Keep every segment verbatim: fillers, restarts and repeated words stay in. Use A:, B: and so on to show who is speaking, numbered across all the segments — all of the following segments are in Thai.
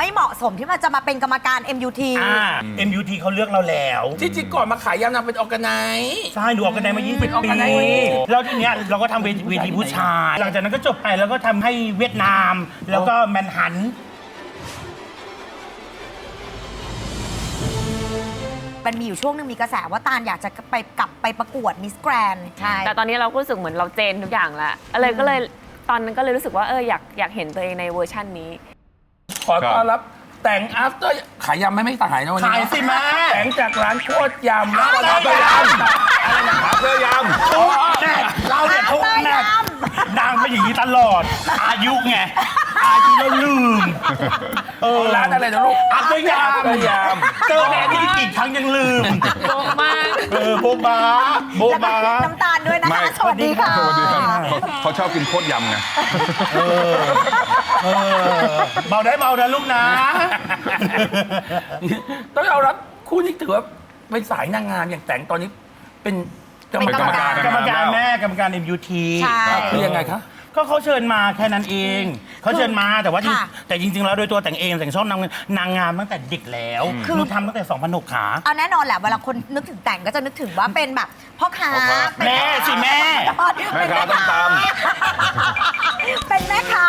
A: ไม่เหมาะสมที่มันจะมาเป็นกรรมการ เอ็ม ยู ที
B: อ่า เอ็ม ยู ที เขาเลือกเราแล้ว
C: ที่จริงก่อนมาขายยำนางเป็นออร์แกไนซ์
B: ใช่หนูออกกันได้มายี่สิบ
C: เป็น
B: ปี
C: organize
B: แล้วทีเนี้ยเราก็ทำเวทีเวทีผู้ชาย หลังจากนั้นก็จบไปแล้วก็ทำให้เวียดนาม แล้วก็แมนฮัน
A: มันมีอยู่ช่วงหนึงมีกระแสว่าตาลอยากจะไปกลับไปประกวดมิสแกรนด์ใช่
D: แต่ตอนนี้เราก็รู้สึกเหมือนเราเจนทุกอย่างแล้วอะไรก็เลยตอนนั้นก็เลยรู้สึกว่าเอออยากอยากเห็นตัวเองในเวอร์ชันนี้
C: ขอต้อนรับแต่ง after ขายยำไหม่ไม่ขายนะวันนี้
B: ขายสิแม่
C: แต่งจากร้านโคตรยำแล้วก็
B: อะไร
C: ร้าน
B: ย
C: ยำอะไรนะ
E: เสื้อยำ
B: ทุกแน่เราเนี่ยทุกแน่นางเป็นอย่างนี้ตลอด อายุไง อายุแล้วลืม เออ
C: ร้านอะไรนะลูก
B: อัพด้วยยาม
C: อัพด้วยยาม
B: เจอแม่ที่กี่ครั้งยังลืม
D: โบ๊ะมาก
B: เออโบบาโบ
A: แล้วก็
B: บา
A: น้ำตาลด้วยนะ
E: ไม่
A: คะสวัสดีค่ะ
E: สวัสดีครับเขาเขาชอบกินโคตรยำไง
B: เออเออเบาได้เบานะลูกนะ
C: ต้องเอารับคู่นี้ถือว่าเป็นสายนางงามอย่างแต่งตอนนี้เป็นกรรม
A: เป็นกรรม
C: การ
A: การ
B: กรรมการแม่กรรมการ เอ็ม ยู ที
A: ใช่
C: คือยังไงคะ
B: ก็เขาเชิญมาแค่นั้นเอง เขาเชิญมาแต่ว่าจริง
A: ค่ะ
B: แต่จริง ๆ แล้วโดยตัวแต่งเองแต่งชอบนางนางงามตั้งแต่เด็กแล้ว
A: คือ
B: หนูทำตั้งแต่สองพันหกขา
A: เอาแน่นอนแหละเวลาคนนึกถึงแต่งก็จะนึกถึงว่าเป็นแบบพ่อค้า
E: พ่อค้า
A: เป็น
B: แม่สิแม่
E: แม่ค้าต้องตาม
A: เป็นแม่ค้า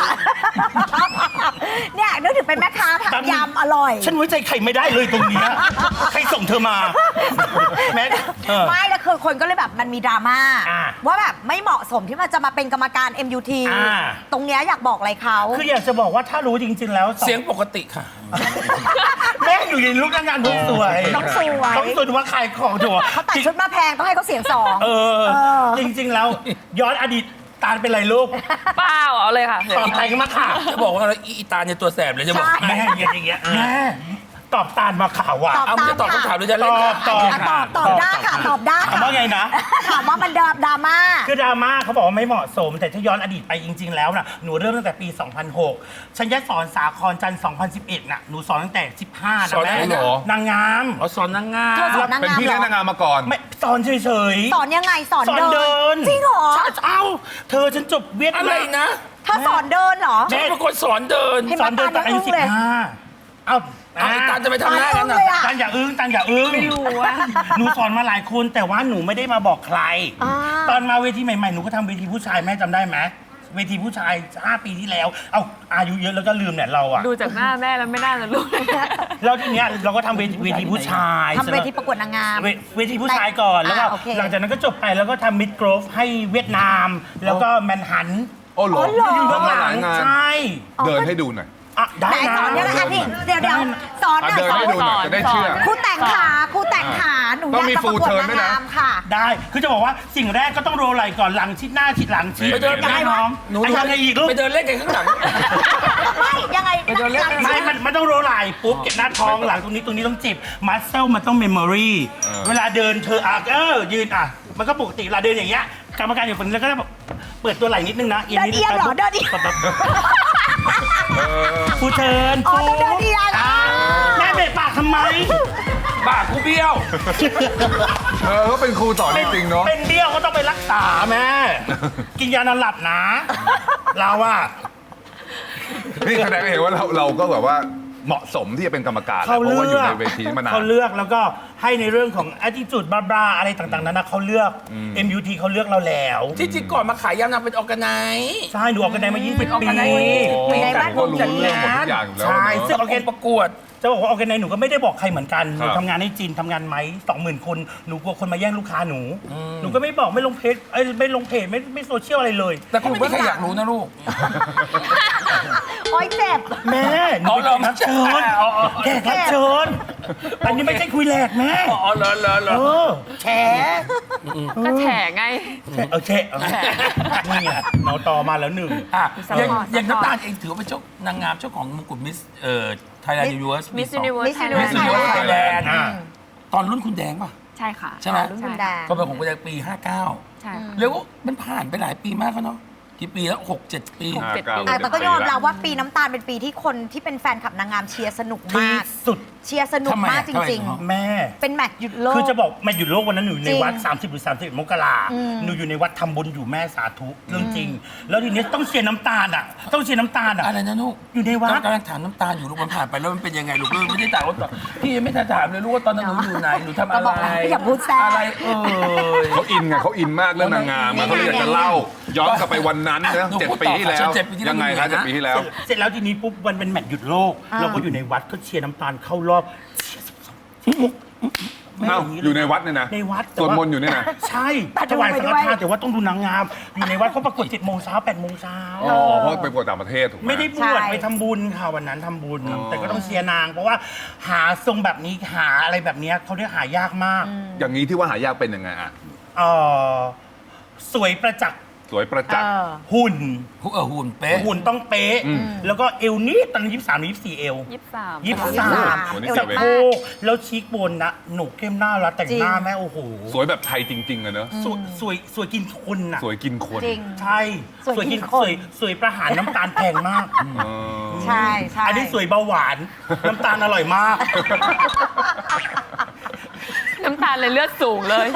A: เนี่ยนึกถึงเป็นแม่ค้า
B: ตาม
A: ทำยำอร่อย
B: ฉันไว้ใจใครไม่ได้เลยตรงเนี้ยใครส่งเธอมาแม่เออ
A: ไม่แล้วคือคนก็เลยแบบมันมีดราม่า
B: อ่า
A: ว่าแบบไม่เหมาะสมที่มันจะมาเป็นกรรมการ เอ็ม ยู ที
B: อ่า
A: ตรงเนี้ยอยากบอกอะไรเขา
B: คืออยากจะบอกว่าถ้ารู้จริง ๆ แล้วสอง
C: เสียงปกติค่ะ
B: แม่อยู่ในลูกนางงานต้องสวย
A: ต้องสวย
B: ต้องสวยว่าขายของถูก
A: เขาตัดชุดมาแพงต้องให้เขาเสียงสอง
B: เออ
A: เออ
B: จริง ๆ แล้วย้อนอดีตตาลเป็นไรลูก
D: เปล่าเอาเลยค่ะ
B: ตอบไทยกันมาค่ะ
C: จะบอกว่าอะไรอีตาเนี่ยตัวแสบเลยจะบอก
B: แม่อย่างเงี้ยอย่างเงี้ยแม่ตอบตาลมาข่าวว่ะ
A: ตอบ
C: เอาไม่จะตอบคำถามหรือจะ
B: ต
C: เล่น
B: อบตอบ
A: อ่ะตอบตอบได้ค่ะตอบได้
B: ถามว่าไงนะ
A: ถามว่ามันดราดราม่า
B: คือดราม่าเขาบอกว่าไม่เหมาะสม แต่ถ้าย้อนอดีตไปจริง ๆ แล้วนะหนูเริ่มตั้งแต่ปี สองพันหก ฉันยัดสอนสาครจันทร์ สองพันสิบเอ็ด น่ะหนูสอนตั้งแต่ สิบห้า
C: สอน
B: นะ
C: อะไร
B: แม่
C: เหรอ
B: นางงาม
C: เอาสอนนางงาม
A: เธอสอนนาง
E: เป็น
A: งาม
E: พี่
A: เหร
E: เล่น
A: อ
E: นางงามมาก่อน
B: ไม่สอนเฉยๆ
A: สอนยังไงสอน
B: สอนเดิน
A: จริงเหรอ
B: ใช่เอ้าเธอฉันจบเวียด
C: อะไร
B: นาม
C: นะ
A: เธอสอนเดินเหรอ
C: ฉันเป็นคนสอนเดิน
A: เห็น
B: สอนเดินตอนอายุ
A: ตาลยังอึ้
B: สิ
A: ง
B: บ
A: เลย
B: ห้าเอ้า
C: เอาไอ้ตาลจะไปทำหน้ากัน
A: ตาล
C: นะ
A: เลยอะ
B: ตันอย่าอึ้งตันอย่าอึ้ง
D: ไม่รู้อะ
B: หนูสอนมาหลายคนแต่ว่าหนูไม่ได้มาบอกใคร
A: อ่า
B: ตอนมาเวทีใหม่ๆหนูก็ทำเวทีผู้ชายแม่จำได้ไหมเวทีผู้ชายห้าปีที่แล้ว เอาอายุเยอะแล้วก็ลืมเนี่ยเราอะ
D: ดูจากหน้าแม่แล้วไม่น่าจะรู้เลย
B: แล้วทีเนี้ยเราก็ทำเวทีเวทีผู้ชาย
A: ทำเวทีประกวดนางงาม
B: เวเวทีผู้ชายก่อนแล้วก็
A: อ่าโอเค
B: หลังจากนั้นก็จบไปแล้วก็ทำมิดโกรฟให้เวียดนาม แล้วก็แมนฮัน
E: โอ้โห
A: อ๋อเหรอ
B: อยู่เบื้องหลั
E: หลาง ยงาน
B: ใช่
E: เดินให้ดูหน่อย
B: อ่ะได้
A: ไหน
B: นะ
A: สอนยังไงอ่ะพี่เดี๋ยวเดี๋ยวสอนห
E: อ่ะ
A: น่อย
E: เดิน
A: สอน
E: ให้ดูหน่อยจะได้เชื่อ
A: ครูแต่งขาครูแต่งขาหนูอ
E: ต้
A: ยา
E: อก งมี
A: จะประ
E: full
A: กวด
E: turn
A: นาง
E: ด้วยนะ
A: งามค่ะ
B: ได้คือจะบอกว่าสิ่งแรกก็ต้องโรลไหล่ก่อนหลังชิดหน้าชิดหลังชิด
C: ไปเดิน
B: ยังไงน้อง
C: หนู
B: ไอ้ยังไงอีกลูก
C: ไปเดินเล่นกันข้างหลัง
A: ไม่ยังไง
C: ไปเดินเล่น
B: ไม่มันมันต้องโรลไหล่ปุ๊บเก็บหน้าท้องหลังตรงนี้ตรงนี้ต้องจิบมัสเซลมันต้องเมมโมรี
E: เออ
B: เวลาเดินเธออ่ะเออยืนอ่ะมันก็ปกติเวลาเดินอย่างเงี้ยกรรมการอยู่ฝั่งนี้แล้วก็แบบเปิดตัวไหล่นิดนึงนะ
A: เดินเอียงเหรอเดินเอียง
B: แบบ
E: เออ
B: ฟูเทิร์น
A: อ๋อต้องเดินเอียง
B: อ่าแม่เบะปากทำไม
C: ปากกูเบี้ยว
E: เออก็เป็นครูสอนจริงๆเนาะ
B: เป็นเบี้ยวก็ต้องไปรักษาแม่ กินยานอนหลับนะ เราอะ
E: นี่แสดงให้เห็นว่าเราเราก็แบบว่าเหมาะสมที่จะเป็นกรรมการแหละ
B: เขา
E: เพราะ
B: เลื
E: ว่าอยู่
B: อก
E: ในเวทีมานาน
B: เขาเลือกแล้วก็ให้ในเรื่องของ attitude บลาๆอะไรต่างๆนั้นนะเขาเลือก เอ็ม ยู ที เขาเลือกเราแล้ว
C: ที่จริงก่อนมาขายยำนางเป็นออร์แกไนซ์
B: ใช่หนูออกกันได้มายี่สิบ
C: เป็น
B: ปี
C: organize
A: อยู่ใน
E: แต่
A: บ้าน
E: ก็รู้เรื่องหมดทุกอย่างอยู่แล้ว
B: ใช่
E: เนอะ
B: ซึ่ง
C: ออร์แกนประกวด
B: จะบอกว่าออร์แกไนซ์หนูก็ไม่ได้บอกใครเหมือนกันหนู
E: ครับ
B: ทำงานให้จีนทำงานไหมสองหมื่นคนหนูกลัวคนมาแย่งลูกค้าหนู หนูก็ไม่บอกไม่ลงเพจเอ้ยไม่ลงเพจไม่ไม่โซเชียลอะไรเลย
C: แต่ก็ไม่มีใครอยากรู้นะลูก
A: โอ๊ยเจ็บ
B: แม่หนู
C: อ๋อเหรอ
B: เป็นแขกรับเชิญ
C: อ๋ออ๋อ
B: แขกรับเชิญอันนี้ไม่ใช่คุยแหลกแม่
C: อ๋อเหรอเหรอเหร
B: เอ
C: อ
B: อแฉ
D: ก็แฉไง
B: แฉเออแฉเออนี่ไงเนาต่อมาแล้วหนึ่ง
C: อ่ะ
D: ซัพ
C: อย่าง
D: พอร์ต
C: อย่าง
D: ซัพพอร์ต
C: น้ำตาลเองถือว่าเป็นเจ้านางงามเจ้าของมงกุฎมิสเอ่อไทยแลนด์ยูนิเวิร์ส
D: Miss Universe
A: Miss
D: Thailand
A: Universe
C: มิสยูนิเวิร์สไทยแลนด์
B: อ่า
C: ตอนรุ่นคุณแดงป่ะ
D: ใช่ค่ะ
C: ใช่ไหม
A: รุ่นคุณแดง
C: ก็เป็นของคุณแดงปี ห้าเก้า
D: ใช่ค่ะ
C: แล้วก็มันผ่านไปหลายปีมากแล้วเนาะกี่ปีแล้วหกเจ็ดปี
D: หกเจ็ด
E: ห้า
D: ปี
E: เก้า
A: อ่ะแต่ก็ยอมรับว่าปีน้ำตาลเป็นปีที่คนที่เป็นแฟนคลับนางงามเชียร์สนุก
B: ที่
A: มาก
B: สุด
A: เชียร์สนุก
C: ทำไม
A: มาก
C: อะ
A: จ
C: ทำไม
A: ริง
C: เหรอ
B: แม่
A: ๆ เป็นแมตช์หยุดโลก
B: คือจะบอกแม่อยู่โลกวันนั้นหนูอยู่ใน
A: จริง
B: วัด สามสิบ หรือ สามสิบเอ็ด มกรา
A: อืม
B: หนูอยู่ในวัดทำบุญอยู่แม่สาธุเรื่องจริง แล้วทีนี้ต้องเชียร์น้ำตาลอ่ะ ต้องเชียร์น้ำตาลอ่ะ
C: อะไรนะลูก
B: อยู่ในวัด
C: กำลังถามน้ำตาลอยู่ลูกมันผ่านไปแล้วมันเป็นยังไงลูกเลยไม่ได้ถามว่าตอนพี่ยังไม่ทันถามเลยลูกว่าตอนนั้นหนูอยู่ไหนหนูทำ
A: ก็
C: อะ
A: บ
C: ไร
A: อกแล้วอย่าพูดแทรก
C: อะไรเออ
E: เขาอินไงเขาอินมากเรื่องนางงามอะเขาเลยอยากจะเล่า ย้อนกลับไปวันนั้นนะ
C: หนู
E: เจ็ด
C: พูด
E: ปี
C: ต่อ
E: ที่แล้ว
C: ค่ะเจ็ดปีที่แล้ว
E: ยังไงคะ
C: หนูอยู่
E: เจ็ด
C: นะ
E: ปีที่แล้ว
B: เสร็จแล้วทีนี้ปุ๊บวันเป็นแมตช์หยุดโลก
A: อ่า
B: เราก็อยู่ในวัดก็เชียร์น้ำตาลเข้ารอบ
E: เอ้าอยู่ในวัดเนี่ยนะ
B: ในวัด
E: สวดมนต์อยู่เนี่ยนะ
B: ใช่
A: แต่
B: ถวาย
A: ดู
B: สั
A: ไป
B: ง
A: ด้
B: ฆ
A: วย
B: ทานแต่ว่าต้องดูนางงาม อยู่ในวัดเขาประกวดเจ็ดโมงเช้าแปดโมงเช้า
E: อ๋อเพราะไปประกวดต่างประเทศถูกไหม
B: ไม่ได้บ
A: ใช่
B: วชไปทำบุญค่ะวันนั้นทำบุญ
E: อ๋อ
B: แต่ก็ต้องเชียร์นาง เพราะว่าหาทรงแบบนี้หาอะไรแบบเนี้ยเขาเรียกหายากมาก
E: อย่างนี้ที่ว่าหายากเป็นยังไงอะ
B: เออสวยประจักษ์
E: สวยประจักษ์
A: เออ
B: หุ่น
C: หุ่นเออหุ่นเป๊ะ
B: หุ่นต้องเป๊ะ
E: อืม
B: แล้วก็เอวนี่ตอนนั้นยี่สิบสามหรือยี่สิบสี่เอว
D: ยี่สิบสาม
B: ยี่สิบสาม
E: โอ้โหนี่
B: สะ
E: เจ็บเอง
B: โพกแล้วชีกบนนะหนูเข้มหน้าแล้วแต่งหน้าแม่โอ้โห
E: สวยแบบไทยจริงๆอะเนอะ
B: สวยสวยสวยกินคนน่ะ
E: สวยกินคน
A: จริง
B: ใช่
A: สวยกินคน
B: สวยสวยประหารน้ำตาลแพงมาก
E: เออ
A: ใช่ใช่
B: อันนี้สวยเบาหวาน น้ำตาลอร่อยมาก
D: น้ำตาลเลยเลือดสูงเลย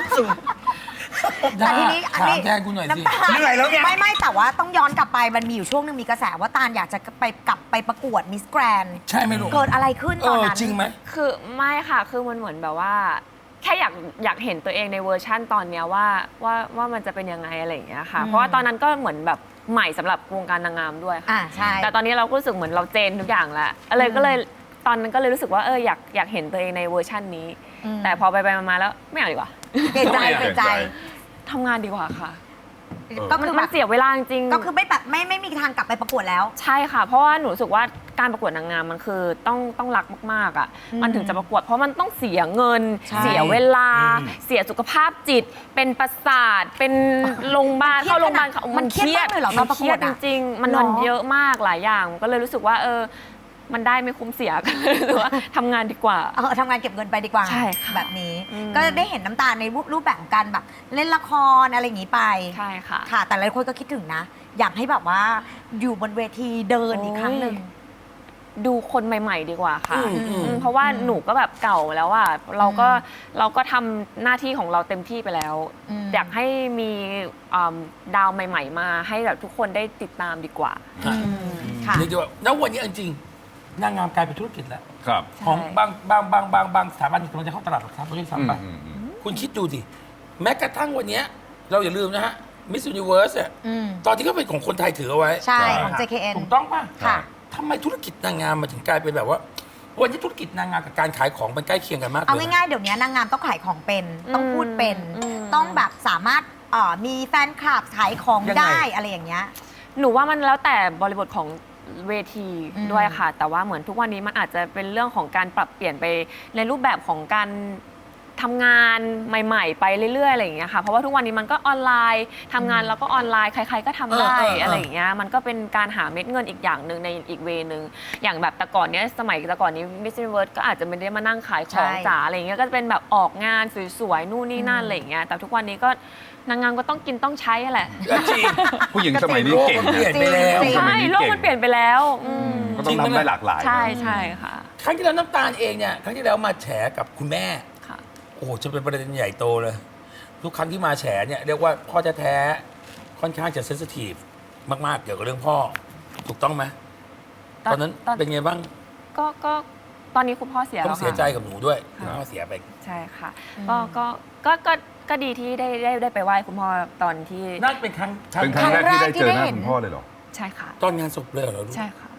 A: แต่ทีนี้อัน
C: ถาม
A: นี้
C: แทนกูหน่อยสิ
A: ำตาล
B: เหนื่อยแล้วเนี่ย
A: ไม่ไม่แต่ว่าต้องย้อนกลับไปมันมีอยู่ช่วงหนึงมีกระแสว่าตาลอยากจะไปกลับไปประกวดมิสแกรน
C: ใช่ไหมลูก
A: เกิดอะไรขึ้น
C: เอ
A: ตอน
C: อ
A: นั้น
C: จริงไหม
D: คือไม่ค่ะ คือมันเหมือนแบบว่า แค่อยากอยากเห็นตัวเองในเวอร์ชั่นตอนเนี้ยว่าว่าว่ามันจะเป็นยังไงอะไรอย่างเงี้ยค่ะ
A: อืม
D: เพราะว่าตอนนั้นก็เหมือนแบบใหม่สำหรับวงการนางงามด้วยค่ะ
A: อ่าใช่
D: แต่ตอนนี้เราก็รู้สึกเหมือนเราเจนทุกอย่างแล้วอะไรก็เลยตอนนั้นก็เลยรู้สึกว่าเอออยากอยากเห็นตัวเองในเวอร์ชั่นนี้
A: อืม
D: แต่พอไปไปมาๆแล้วไม่เอาดีกว่า
A: เปลี่ยนใจ
E: ทำไมอ่ะ
A: เปลี่ยนใจ
D: ทำงานดีกว่าค่ะ
A: ก็
D: มัน
A: คือ
D: มั
A: แบ
D: น
A: บ
D: เสียเวลาจริงๆ
A: ก็คือไม่แบบไม่ไม่มีทางกลับไปประกวดแล้ว
D: ใช่ค่ะ เพราะว่าหนูรู้สึกว่าการประกวดนางงามมันคือต้องต้องรักมากๆอ่ะ
A: อืม
D: มันถึงจะประกวด เพราะมันต้องเสียเงิน
A: ใช่
D: เสียเวลา
B: อืม
D: เสียสุขภาพจิต เป็นประสาท เป็นโรงพยาบาล
A: มันเครียด
D: เข้าโรงพยาบาล
A: ขนาดมันเครียดมากเลยเหรอ
D: มัน
A: ตอนประ
D: เค
A: ก
D: รี
A: วย ด
D: ด
A: อะ
D: จริงๆ มัน
A: หรอ
D: มันเยอะมากหลายอย่าง ก็เลยรู้สึกว่าเออ มันได้ไม่คุ้มเสีย ก็เลยรู้สึกว่าทำงานดีกว่า
A: เออทำงานเก็บเงินไปดีกว่า
D: ใช่ค่ะ
A: แบบนี้
D: อืม
A: ก็ได้เห็นน้ำตาลในรูปแบบของการแบบ เล่นละครอะไรอย่างนี้ไป
D: ใช่ค่ะ
A: ค่ะ แต่หลายคนก็คิดถึงนะ อยากให้แบบว่าอยู่บนเวทีเดินอีกครั้งหนึ่ง
D: ดูคนใหม่ ๆ ดีกว่าค่ะ
C: อืมอืม
D: อืมเพราะว่าหนูก็แบบเก่าแล้วอ่ะเราก็เราก็ทำหน้าที่ของเราเต็มที่ไปแล้ว
A: อืม
D: อยากให้มีอ่าดาวใหม่ ๆ มาให้แบบทุกคนได้ติดตามดีกว่า
C: ค่ะ
A: ค่ะ
C: เรียกได้ว่าแล้ววันนี้จริงๆนางงามกลายเป็นธุรกิจแล้ว
E: ครับ
C: ของ
D: ใช่
C: บางบางบางบางบางสถาบันกำลังจะเข้าตลาดหลักทรัพย์ด้วย
E: อืม
C: ซ้ำไป
E: อืมอืม
C: คุณคิดดูสิแม้กระทั่งวันเนี้ยเราอย่าลืมนะฮะมิส s u นิเวิร์สเนี่ย
A: อืม
C: ตอนที่เขาเป็นของคนไทยถือเอาไว้
A: ใช่
E: ใช่
A: ของ เจ เค เอ็น
C: ถูกต้องป่ะ
A: ค่ะ
C: ทำไมธุรกิจนางงามมาถึงกลายเป็นแบบว่า วันนี้ธุรกิจนางงามกับการขายของมันใกล้เคียงกันมากเลย
A: เอา
C: นะ
A: ง่ายๆ เดี๋ยวนี้นางงามต้องขายของเป็น ต้องพูดเป็น
D: อืม
A: ต้องแบบสามารถเอ่อมีแฟนคลับขายของ
C: ยังไง
A: ได้อะไรอย่างเงี้ย
D: หนูว่ามันแล้วแต่บริบทของเวที
A: อืม
D: ด้วยค่ะ แต่ว่าเหมือนทุกวันนี้มันอาจจะเป็นเรื่องของการปรับเปลี่ยนไปในรูปแบบของการทำงานใหม่ ๆ ไปเรื่อยๆอะไรอย่างเงี้ยค่ะ เพราะว่าทุกวันนี้มันก็ออนไลน์ทำงานแล้วก็ออนไลน์ใคร ๆ ก็ทำได้
C: เออเออเอออ
D: อะไรอย่างเงี้ยมันก็เป็นการหาเม็ดเงินอีกอย่างหนึ่งในอีกเวนึงอย่างแบบแต่ก่อนเนี้ยสมัยแต่ก่อนนี้ Miss Universe ก็อาจจะไม่ได้มานั่งขายของ
A: ใช่
D: จ๋าอะไรอย่างเงี้ยก็จะเป็นแบบออกงานสวยๆนู่นนี่นั่นอะไรอย่างเงี้ยแต่ทุกวันนี้ก็นางงามก็ต้องกินต้องใช้อะแหละ
C: จริง
E: ผู้หญิงสมัยนี้เก่ง
C: โลกมันเปลี่ยนไปแล้ว
A: จริง
E: สมั
D: ใช่
E: ยนี้
D: โลก
E: เก่ง
D: มันเปลี่ยนไปแล้วอืม
E: ก็ต้องทำได้หลากหลาย
D: ใช่ใช่ค่ะ
C: ครั้งที่แล้วน้ำตาลเองเนี่ยครั้งที่แล้วมาแฉกับคุณแม่
D: ค่ะ
C: โอ้โหจะเป็นประเด็นใหญ่โตเลย ทุกครั้งที่มาแฉเนี่ยเรียกว่าพ่อแท้ๆค่อนข้างจะเซนซิทีฟมากๆ เกี่ยวกับเรื่องพ่อ ถูกต้องไหมตอนนั้น
D: ตอน
C: เป็นไงบ้าง
D: ก็ก็ตอนนี้คุณพ่อเสีย
C: ต้อ
D: แล้
C: ง
D: ว
C: เสีย
D: ค่ะ
C: ใจกับหนูด้วย
D: ค่ะ
C: พ่อเสียไป
D: ใช่ค่ะ ก็ก็ก็ก็ก็ดีที่ได้ได้ได้ไปไหว้คุณพ่อตอนที่
C: นั่นเป็นครั้ง
E: เป็นครั้งแรกที่ได้เจอหน้า
A: ครั้งแรกที่ได้เห็น
E: คุณพ่อเลยเหรอ
D: ใช่ค่ะ
C: ตอนงานศพเลยเหรอลูก
D: ใช่ค่ะ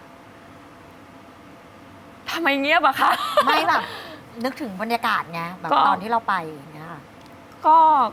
D: ทำไมเงียบอะคะ
A: ไม่แบบ นึกถึงบรรยากาศไงแบบ
D: ก็
A: ตอนที่เราไปอย่างเงี้ยค่ะ
D: ก็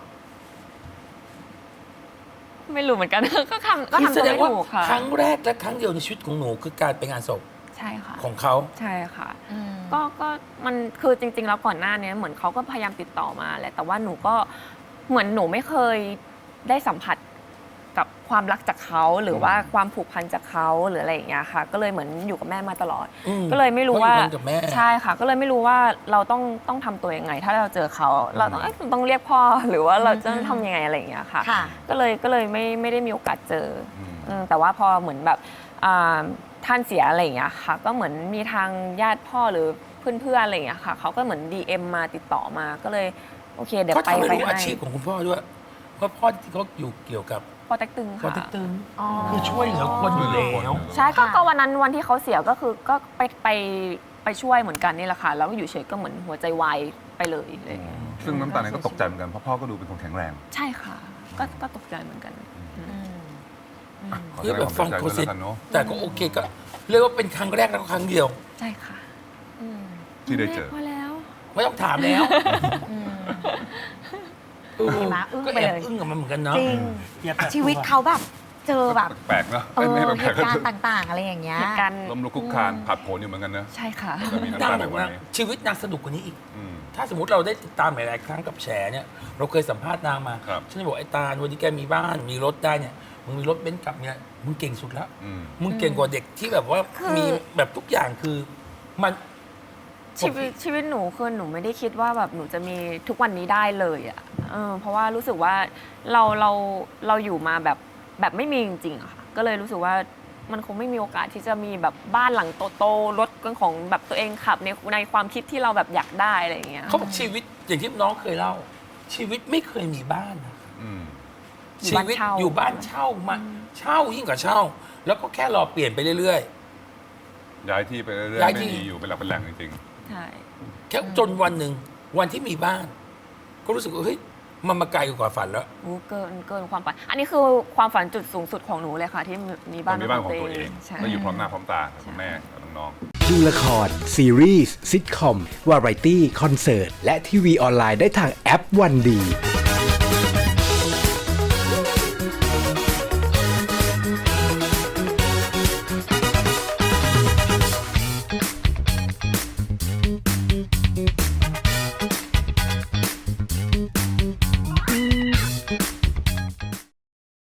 D: ไม่รู้เหมือนกัน ก็ทำก็
C: คือ
D: ทำ
C: แส
D: ตัว
C: ดง
D: ไม่
C: ว่า
D: ถูกค่ะ
C: ครั้งแรกและครั้งเดียวในชีวิตของหนูคือการไปงานศพ
D: ใช่ค่ะ
C: ของเขา
D: ใช่ค่ะ
A: อืม
D: ก็ก็มันคือจริง ๆ แล้วก่อนหน้านี้เหมือนเขาก็พยายามติดต่อมาแหละแต่ว่าหนูก็เหมือนหนูไม่เคยได้สัมผัสกับความรักจากเขาหรือว่าความผูกพันจากเขาหรืออะไรอย่างเงี้ยค่ะ ก็เลยเหมือนอยู่กับแม่มาตลอด
C: อืม
D: ก็เลยไม่รู้ว่า
C: เพราะอยู่กันกับแม่
D: ใช่ค่ะ ก็เลยไม่รู้ว่าเราต้องต้องทตัวยังไง ถ้าเราเจอเขาเราต้องเอ้ยต้องเรียกพ่อหรือว่าเราจะต้องทำยังไงอะไรอย่างเงี้ยค่ะ
A: ค่ะ
D: ก็เลยก็เลยไม่ไม่ได้มีโอกาสเจออ
E: ม
D: อืมแต่ว่าพอเหมือนแบบอ่าท่านเสียอะไรอย่างเงี้ยค่ะ ก็เหมือนมีทางญาติพ่อหรือเพื่อนๆอะไรอย่างเงี้ยค่ะเขาก็เหมือน ดี เอ็ม มาติดต่อมาก็เลยโอเคเดี๋ยว
C: เขา
D: ไป
C: ทำให้
D: ไป
C: รู้อา
D: ให้
C: ชีพของคุณพ่อด้วยเพราะพ่อที่เขาอยู่เกี่ยวกับ
D: ปอเต็กตึง
C: ปอ
D: ค่ะ
C: เต็กตึง
A: อ๋อ
C: คือช่วยเหลือคนอยู่แล้ว
D: ใช่ก็
A: ค่ะ
D: ก็วันนั้นวันที่เขาเสียก็คือก็ไปไปไปช่วยเหมือนกันนี่แหละค่ะแล้วก็อยู่เฉยก็เหมือนหัวใจวายไปเลยอะไรอย่างเงี้ย
E: ซึ่งน้ำตาลเองก็ตกใจเหมือนกันเพราะพ่อก็ดูเป็นคนแข็งแรง
D: ใช่ค่ะ ก็ก็ตกใจเหมือนกัน
A: อืม
E: ขอ
C: คือ
E: แสด
C: แบ
E: ง
C: บ
E: ค
C: ฟั
E: วาง ม
C: เขา
E: เสีย
C: เสร็จ
E: ใจด้วยแล้วกันเนาะ
C: แต่ก็โอเคก็เรียกว่าเป็นครั้งแรกแล้วก็ครั้งเดียว
D: ใช่ค่ะ
A: อืม
E: ที่ได้เจอ
D: พอแล้ว
C: ไม่ต้องถามแล้ว
A: อืม
C: เออ
A: เห็นไหมอึ้ง
C: ก็
A: ไป
C: แอบ
A: เลย
C: อึ้งกับมันเหมือนกันเนาะ
A: จริง
B: อย่าแปลก
A: ชีวิตเขาแบบเจอแบบ
E: แปลกๆเนาะ
A: เอ
E: ไม่
A: อ
E: ไม่
A: เห
E: แปลก
A: ตุ
E: ๆ
A: การณ์ต่างๆ อะไรอย่างเงี้ย
D: เหตุการณ์
E: ล้มลุกคลุกคลานผัดโผนอยู่เหมือนกันเนอะ
D: ใช่ค่ะ
E: แต่มีน้ำ
C: นาง
E: ตา
C: บ
E: ใน
C: อก
E: วัน
C: ว่า
E: นี้
C: ชีวิตนางสนุกกว่านี้อีก
E: อืม
C: ถ้าสมมติเราได้ติดตามหลายๆครั้งกับแฉเนี่ย เราเคยสัมภาษณ์นางมา
E: ครับ
C: ฉันจะบอกไอ้ตาลวันนี้แกมีบ้านมีรถได้เนี่ยมึงมีรถเบนซ์กลับเนี่ยมึงเก่งสุดแล้ว
E: อืม
C: มึงเก่งกว่าเด็กที่แบบว่า
A: คือ
C: มีแบบทุกอย่างคือมัน
D: ชีวิตชีวิตหนูคือหนูไม่ได้คิดว่าแบบหนูจะมีทุกวันนี้ได้เลยอ่ะเออเพราะว่ารู้สึกว่าเราเราเราอยู่มาแบบแบบไม่มีจริงๆอะค่ะก็เลยรู้สึกว่ามันคงไม่มีโอกาสที่จะมีแบบบ้านหลังโตๆรถของแบบตัวเองขับในในความคิดที่เราแบบอยากได้อะไรอย่างเงี้ย
C: เขาบอกชีวิตอย่างที่น้องเคยเล่า ชีวิตไม่เคยมีบ้านนะ
E: อืม
C: ชีวิตอยู่บ้านเช่ามาเช่ายิ่งกว่าเช่า แล้วก็แค่รอเปลี่ยนไปเรื่อย
E: ย้ายที่ไปเรื่อย
C: ย้าย
E: ๆ
C: ที่
E: ไม่มีอยู่เป็นหลักเป็นแหล่งจริง
D: ใช่
C: ๆ แค่จนวันหนึ่งวันที่มีบ้าน ก็รู้สึกว่าเฮ้ยมันมาไกลกว่าฝันแล้ว
D: โอ้เกินเกินความฝันอันนี้คือความฝันจุดสูงสุดของหนูเลยค่ะ ที่มี
E: ๆ
D: บ้าน
E: มีบ้านของตัวเอง
D: ใช่
E: แล้วอยู่พร้อมหน้าพร้อมตากับคุณแม่กับน้องๆ
F: ดูละคร ซีรีส์ซิทคอม วาไรตี้ คอนเสิร์ต และทีวีออนไลน์ได้ทางแอปวันดี